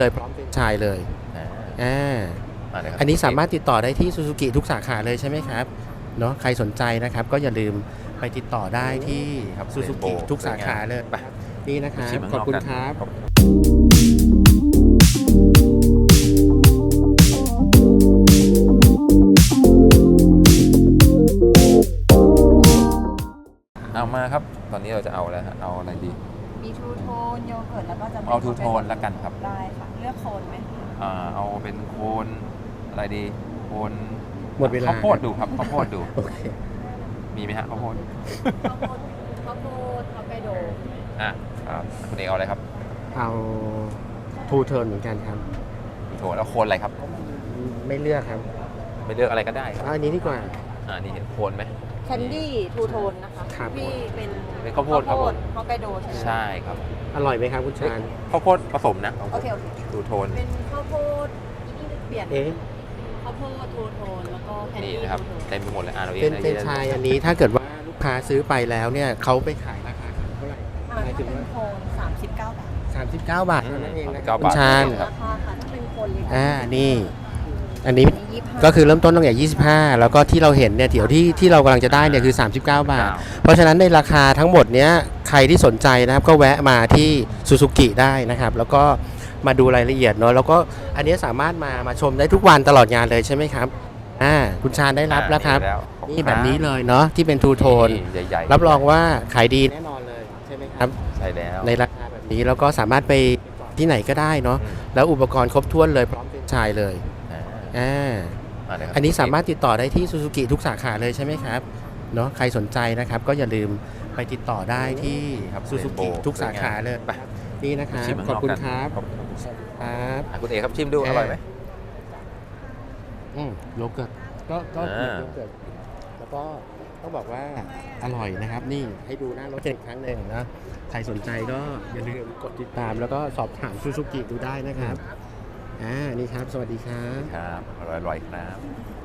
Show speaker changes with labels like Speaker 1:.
Speaker 1: เลยพร้อมเป็นไชายเลยอันนี้สามารถติดต่อได้ที่ซูซูกิทุกสาขาเลยใช่ไหมครับเนาะใครสนใจนะครับก็อย่าลืมไปติดต่อได้ที่ซูซูกิทุกสาขาเลยนี่นะครับขอบคุณครับ
Speaker 2: เอามาครับตอนนี้เราจะเอาแล้วฮะเอาอะไรดี
Speaker 3: มีทูโทนโยเกิร์ตแล้วก็จะ
Speaker 2: เอาทูโทนแล้วกันครับ
Speaker 3: ได้ค่ะเลือกโคนไหม
Speaker 2: เอาเป็นโคนอะไรดีโคน
Speaker 1: หมดเวลา
Speaker 2: ข้าวโพดดูครับข้าวโพดดู
Speaker 1: โอเค
Speaker 2: มีไหมฮะข้าวโพด
Speaker 3: ข้าวโพดฮอกไกโด
Speaker 2: ครับคุณเอกเอาอะไรครับ
Speaker 1: เอาทูเทิร์นเหมือนกันครับ
Speaker 2: ทูโทนแล้วโคนอะไรครับ
Speaker 1: ไม่เลือกครับ
Speaker 2: ไม่เลือกอะไรก็ได้ครับ
Speaker 1: อันนี้ดีกว่า
Speaker 2: นี่เห็นโคนไหม
Speaker 3: แคนดี้ทูโทนนะคะพี่
Speaker 2: เป็นข้าวโพดครับผม
Speaker 3: ฮอกไกโดใช่ไหม
Speaker 2: ใช่ครับ
Speaker 1: อร่อยไหมครับคุณชาญ
Speaker 2: ข้าวโพดผสมนะ
Speaker 3: โอเค
Speaker 2: ทูโทน
Speaker 3: เป็นข้าวโพดเปลี่ยนข้าวโพดทูโทนแล้วก็แคนดี้
Speaker 2: นะครับเต็มไปหมดเลยเราเอง
Speaker 1: เป็นชายอันนี้ถ้าเกิดว่าลูกค้าซื้อไปแล้วเนี่ยเขาไปขายราคาเท่าไหร่
Speaker 3: หมายถึงว่าโทน39 บาท
Speaker 1: 39 บาทนั่นเองนะ
Speaker 2: คุณ
Speaker 1: ชาญ
Speaker 3: ราคาค่ะถ้าเป็นโคนเลย
Speaker 1: นี่อันนี้ก็คือเริ่มต้นตั้งแต่25แล้วก็ที่เราเห็นเนี่ยเดี๋ยวที่เรากำลังจะได้เนี่ยคือ39 บาทเพราะฉะนั้นในราคาทั้งหมดเนี้ยใครที่สนใจนะครับก็แวะมาที่ซูซูกิได้นะครับแล้วก็มาดูรายละเอียดเนาะแล้วก็อันนี้สามารถมาชมได้ทุกวันตลอดงานเลยใช่ไหมครับคุณชาญได้รับแล้วครับนี่แบบนี้เลยเนาะที่เป็นทูโทนรับรองว่าขายดีแน่นอนเลยใช่ไหมครับ
Speaker 2: ใช่แล้ว
Speaker 1: ในราคาแบบนี้แล้วก็สามารถไปที่ไหนก็ได้เนาะแล้วอุปกรณ์ครบถ้วนเลยพร้อมเป็นชายเลยอันนี้สามารถติดต่อได้ที่ซูซูกิทุกสาขาเลยใช่ไหมครับเนาะใครสนใจนะครับก็อย่าลืมไปติดต่อได้ที่ซูซูกิทุกสาขาเลยนี่นะครับขอบคุณครับครับ
Speaker 2: คุณเอกครับชิมดูอร่อยไหม
Speaker 1: โยเกิร์ตก็โยเกิร์ตแล้วก็ต้องบอกว่าอร่อยนะครับนี่ให้ดูหน้ารถอีกครั้งหนึ่งนะใครสนใจก็อย่าลืมกดติดตามแล้วก็สอบถามซูซูกิดูได้นะครับนี่ครับสวัสดีครับ
Speaker 2: ครับอร่อยๆครับ